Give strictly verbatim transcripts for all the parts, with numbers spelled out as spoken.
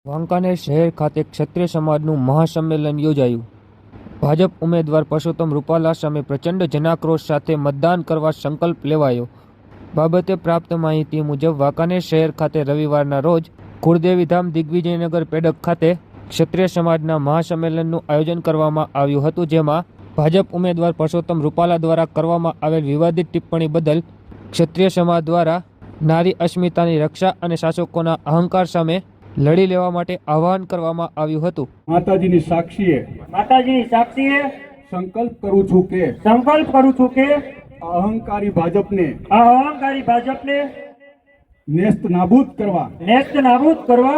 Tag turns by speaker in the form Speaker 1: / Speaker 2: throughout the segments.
Speaker 1: વાંકાનેર શહેર ખાતે ક્ષત્રિય સમાજનું મહાસંમેલન યોજાયું. ભાજપ ઉમેદવાર પરસોત્તમ રૂપાલા સામે પ્રચંડ જનાક્રોશ સાથે મતદાન કરવા સંકલ્પ લેવાયો. બાબતે પ્રાપ્ત માહિતી મુજબ વાંકાનેર શહેર ખાતે રવિવારના રોજ કુળદેવીધામ દિગ્વિજયનગર પેડક ખાતે ક્ષત્રિય સમાજના મહાસંમેલનનું આયોજન કરવામાં આવ્યું હતું, જેમાં ભાજપ ઉમેદવાર પરસોત્તમ રૂપાલા દ્વારા કરવામાં આવેલ વિવાદિત ટિપ્પણી બદલ ક્ષત્રિય સમાજ દ્વારા નારી અસ્મિતાની રક્ષા અને શાસકોના અહંકાર સામે લડી લેવા માટે આહવાન કરવામાં આવ્યું હતું.
Speaker 2: માતાજીની સાક્ષીએ
Speaker 3: માતાજીની સાક્ષીએ
Speaker 2: સંકલ્પ કરું છું કે
Speaker 3: સંકલ્પ કરું છું કે
Speaker 2: આ અહંકારી ભાજપને
Speaker 3: આ અહંકારી ભાજપને
Speaker 2: નેસ્ત નાબૂદ કરવા
Speaker 3: નેસ્ત નાબૂદ કરવા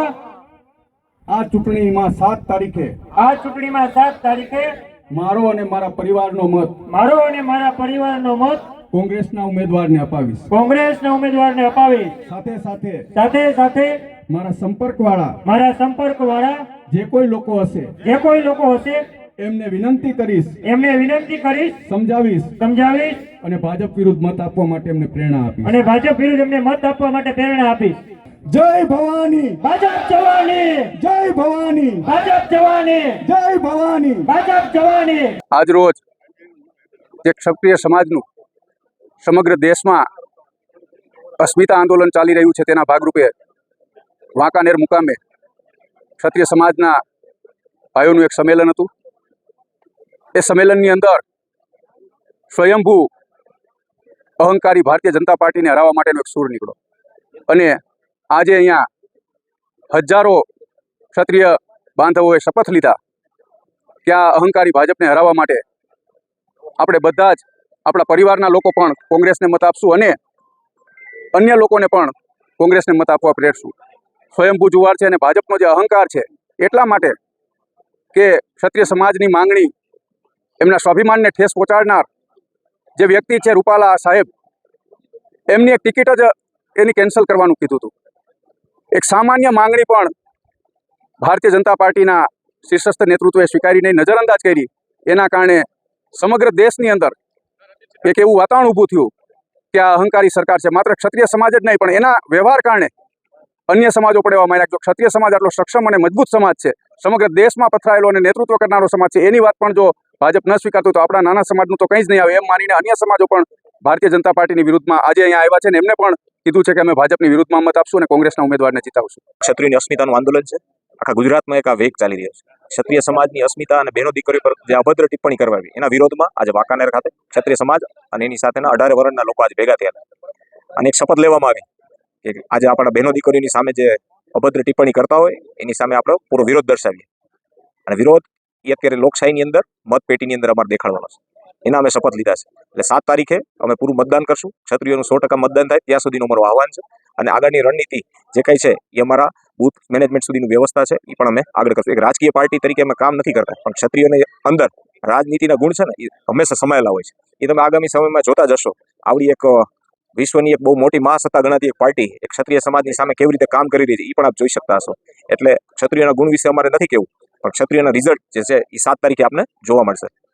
Speaker 2: આ ચૂંટણીમાં સાત તારીખે
Speaker 3: આ ચૂંટણીમાં સાત તારીખે
Speaker 2: મારો અને મારા પરિવારનો મત
Speaker 3: મારો અને મારા પરિવારનો મત
Speaker 2: કોંગ્રેસના ઉમેદવારને અપાવીશ.
Speaker 3: કોંગ્રેસના ઉમેદવારને અપાવીશ.
Speaker 2: સાથે સાથે
Speaker 3: સાથે સાથે
Speaker 2: મારા સંપર્કવાળા
Speaker 3: મારા સંપર્કવાળા
Speaker 2: જે કોઈ લોકો હશે
Speaker 3: જે કોઈ લોકો હશે
Speaker 2: એમને વિનંતી કરીશ,
Speaker 3: એમને વિનંતી કરીશ,
Speaker 2: સમજાવીશ
Speaker 3: સમજાવીશ
Speaker 2: અને ભાજપ વિરુદ્ધ મત આપવા માટે એમને પ્રેરણા આપીશ.
Speaker 3: અને ભાજપ વિરુદ્ધ એમને મત આપવા માટે પ્રેરણા આપીશ.
Speaker 2: જય ભવાની,
Speaker 3: ભાજપ જવાની,
Speaker 2: જય ભવાની,
Speaker 3: ભાજપ જવાની,
Speaker 2: જય ભવાની,
Speaker 3: ભાજપ જવાની.
Speaker 4: આજ રોજ જે ક્ષત્રિય સમાજનું સમગ્ર દેશમાં અસ્મિતા આંદોલન ચાલી રહ્યું છે, તેના ભાગરૂપે વાંકાનેર મુકામે ક્ષત્રિય સમાજના ભાઈઓનું એક સંમેલન હતું. એ સંમેલનની અંદર સ્વયંભૂ અહંકારી ભારતીય જનતા પાર્ટીને હરાવવા માટેનો એક સૂર નીકળ્યો અને આજે અહીંયા હજારો ક્ષત્રિય બાંધવોએ શપથ લીધા કે આ અહંકારી ભાજપને હરાવવા માટે આપણે બધા જ આપણા પરિવારના લોકો પણ કોંગ્રેસને મત આપશું અને અન્ય લોકોને પણ કોંગ્રેસને મત આપવા પ્રેરશું. સ્વયંભૂ જુવાર છે અને ભાજપનો જે અહંકાર છે એટલા માટે કે ક્ષત્રિય સમાજની માંગણી, એમના સ્વાભિમાનને ઠેસ પહોંચાડનાર જે વ્યક્તિ છે રૂપાલા સાહેબ, એમની એક ટિકિટ જ એની કેન્સલ કરવાનું કીધું હતું. એક સામાન્ય માંગણી પણ ભારતીય જનતા પાર્ટીના શીર્ષસ્થ નેતૃત્વએ સ્વીકારીને નજરઅંદાજ કરી. એના કારણે સમગ્ર દેશની અંદર એક એવું વાતાવરણ ઊભું થયું કે આ અહંકારી સરકાર છે. માત્ર ક્ષત્રિય સમાજ જ નહીં પણ એના વ્યવહાર કારણે અન્ય સમાજો પણ એવા માન્યા. જો ક્ષત્રિય સમાજ આટલો સક્ષમ અને મજબૂત સમાજ છે, સમગ્ર દેશમાં પથરાયેલો અને નેતૃત્વ કરનારો સમાજ છે, એની વાત પણ જો ભાજપ ન સ્વીકારતું તો આપણા નાના સમાજનું તો કંઈ જ નહીં આવે એમ માનીને અન્ય સમાજો પણ ભારતીય જનતા પાર્ટીની વિરુદ્ધમાં આજે અહીંયા આવ્યા છે ને એમને પણ કીધું છે કે અમે ભાજપની વિરુદ્ધમાં મત આપશું અને કોંગ્રેસના ઉમેદવારને જીતાવશું.
Speaker 5: ક્ષત્રિયની અસ્મિતાનું આંદોલન છે. આખા ગુજરાતમાં એક આ વેગ ચાલી રહ્યો છે. ક્ષત્રિય સમાજની અસ્મિતા અને બહેનો દીકરીઓ પર જે અભદ્ર ટિપ્પણી કરવાવી એના વિરોધમાં આજે વાંકાનેર ખાતે ક્ષત્રિય સમાજ અને એની સાથેના અઢારે વર્ણના લોકો આજે ભેગા થયા અને એક શપથ લેવામાં આવી કે આજે આપણા બહેનો દીકરીઓની સામે જે અભદ્ર ટિપ્પણી કરતા હોય એની સામે આપણે પૂરો વિરોધ દર્શાવીએ. અને વિરોધ એ અત્યારે લોકશાહીની અંદર મતપેટીની અંદર અમારે દેખાડવાનો છે. એના અમે શપથ લીધા છે. એટલે સાત તારીખે અમે પૂરું મતદાન કરશું. ક્ષત્રિયોનું સો ટકા મતદાન થાય ત્યાં સુધીનું અમારું આહવાન છે. અને આગળની રણનીતિ જે કંઈ છે એ અમારા બૂથ મેનેજમેન્ટ સુધીની વ્યવસ્થા છે એ પણ અમે આગળ કરશું. એક રાજકીય પાર્ટી તરીકે અમે કામ નથી કરતા, પણ ક્ષત્રિયોની અંદર રાજનીતિના ગુણ છે ને એ હંમેશા સમાયેલા હોય છે. એ તમે આગામી સમયમાં જોતા જશો. આવડી એક વિશ્વની એક બહુ મોટી મહાસત્તા ગણાતી એક પાર્ટી એક ક્ષત્રિય સમાજની સામે કેવી રીતે કામ કરી રહી છે એ પણ આપ જોઈ શકતા હશો. એટલે ક્ષત્રિયોના ગુણ વિશે અમારે નથી કહેવું, પણ ક્ષત્રિયોના રિઝલ્ટ જે છે એ સાત તારીખે આપને જોવા મળશે.